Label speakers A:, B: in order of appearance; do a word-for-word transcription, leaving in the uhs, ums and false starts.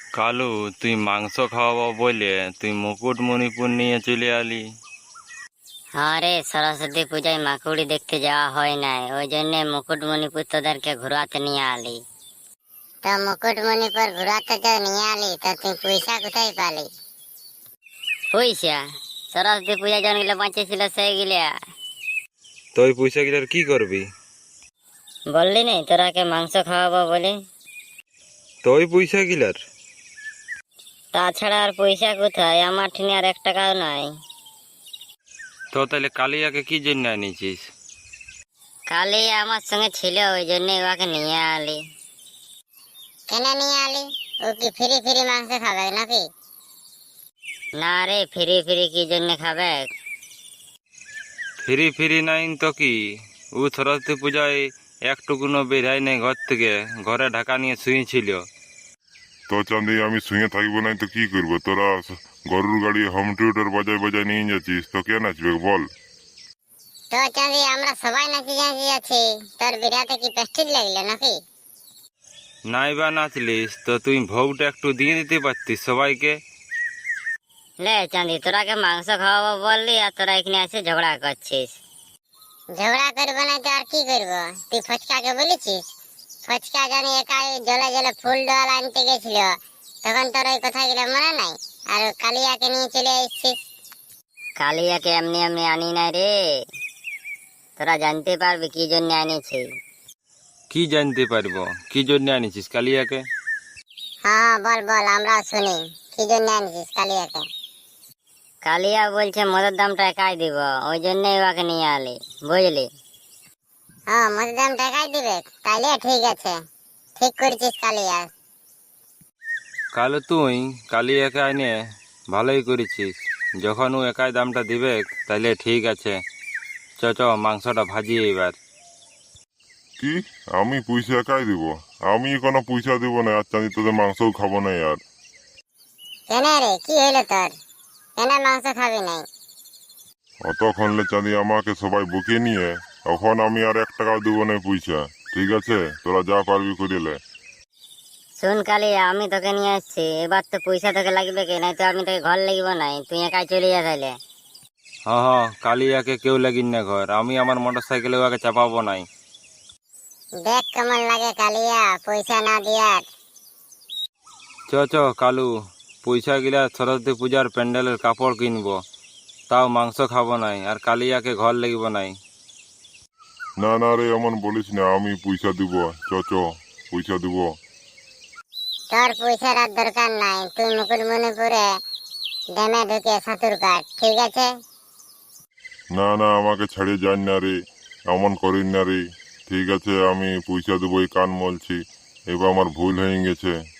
A: কালু, তুই মাংস খাওয়াবো বলে তুই মুকুটমণিপুর নিয়ে চলে আলি।
B: হ্যাঁ রে, সরস্বতী পূজায় মাকুড়ি দেখতে যাওয়া হয় নাই, ওই জন্য মুকুটমণিপুর তোদেরকে ঘুরাতে নিয়ে আলি। তো মুকুটমণিপুর ঘুরাতে তো নিয়ে আলি, তো তুই পয়সা কোথায় পালি? পয়সা সরস্বতী পূজা যখন গেলে বাঁচেছিল সেই গিলা।
A: তো ওই পয়সা গিলার কি করবি?
B: বললি নাই তোরাকে মাংস খাওয়াবো বলে?
A: তো ওই পয়সা গিলার
B: তাছাড়া আর পয়সা কোথায়, আমার ঠিনে আর এক টাকাও নাই।
A: তো তাহলে কালিয়াকে কি জন্য আনিছিস?
B: কালি আমার সঙ্গে ছিল, ওই জন্য ওকে নিয়ে আলি। কেন নিয়ে আলি? ও কি ফ্রি ফ্রি মাংস খাবে নাকি? না রে, ফ্রি ফ্রি কি জন্য খাবে?
A: ফিরি ফিরি নাই তো কি, ও সরস্বতী পূজায় একটুকুনো বেরাই নেই ঘর থেকে, ঘরে ঢাকা নিয়ে শুয়েছিল।
C: তো চাঁদি আমি শুয়ে থাকবো নাই তো কি করবো? তোরা গরুর গাড়ি হোম থিয়েটার বাজায় বাজায় নিয়ে যাচ্ছিস, তো কে নাচবে বল?
B: তো চাঁদি আমরা সবাই নাচি নাচি আছি, তোর বিরাতে কি পেস্টিজ লাগলে নাকি?
A: নাই বা নাচলিস তো তুই ভোগটা একটু দিয়ে দিতে পারতিস সবাইকে।
B: লে চাঁদি, তোরাকে মাংস খাওয়াবো বললি আর তোরা এখানে এসে ঝগড়া করছিস। ঝগড়া করবো না তো আর কি করবো? তুই ফচকাকে বলেছিস? ফচকা জানি একাই জলে জলে ফুল ডোয়াল আনতে গেছিল, তখন তোর ওই কথাগুলো মনে নাই? আর কালিয়াকে নিয়ে চলে এসছিস। কালিয়াকে এমনি এমনি আনি নাই রে, তোরা জানতে পারবি কি জন্য আনিছি।
A: কি জানতে পারবো কি জন্য আনিছিস কালিয়াকে?
B: হ্যাঁ বল বল, আমরা শুনি কি জন্য আনিছিস কালিয়াকে। কালিয়া বলছে মদের দামটা একাই দিব, ওই জন্যই ওকে নিয়ে আলি, বুঝলি? হ্যাঁ, মদের দামটা একাই দিবে, তাইলে ঠিক আছে, ঠিক করেছিস কালিয়া।
A: কালু, তুই কালিয়াকে আইনে ভালোই করেছিস, যখন ও একাই দামটা দিবে তাইলে ঠিক আছে। চ চ মাংসটা ভাজি এবার।
C: কি আমি পয়সা একাই দিব? আমি কোনো পয়সা দিব না, আর চাঁদি তোদের মাংসও খাবো না আর।
B: কেন রে, কি হইলো তোর? কেন মাংস খাবি নাই?
C: অতক্ষণলে চাঁদি আমাকে সবাই বুকে নিয়ে, এখন আমি আর এক টাকাও দিব না পয়সা। ঠিক আছে, তোরা যা পারবি করিলে।
B: শুন কালিয়া, আমি তোকে নিয়ে আসছি, এবার তো পয়সা তোকে লাগবে কে, নাই তো আমি তোকে ঘর লাগব নাই, তুই একাই চলে যা তাইলে।
A: হ্যাঁ হ্যাঁ, কালিয়াকে কেউ লাগিন না ঘর, আমি আমার মোটর সাইকেলে ওকে চাপাবো নাই।
B: দেখ কেমন লাগে কালিয়া পয়সা না দিয়ার।
A: চ চ কালু, পয়সা গিলা সরস্বতী পূজার প্যান্ডেলের কাপড় কিনবো, তাও মাংস খাবো নাই, আর কালিয়াকে ঘর লাগবো নাই।
C: না না রে, এমন বলিস না, আমি পয়সা দিব। চ চ পয়সা দিব।
B: তোর পয়সার আর দরকার নাই, তুই মুকুটমণিপুরে ড্যামে ঢুকে সাঁতুর কাট, ঠিক আছে?
C: না না, আমাকে ছাড়িয়ে যান না রে, এমন করিন না রে। ঠিক আছে, আমি পয়সা দেবো, এই কান মলছি, এবার আমার ভুল হয়ে গেছে।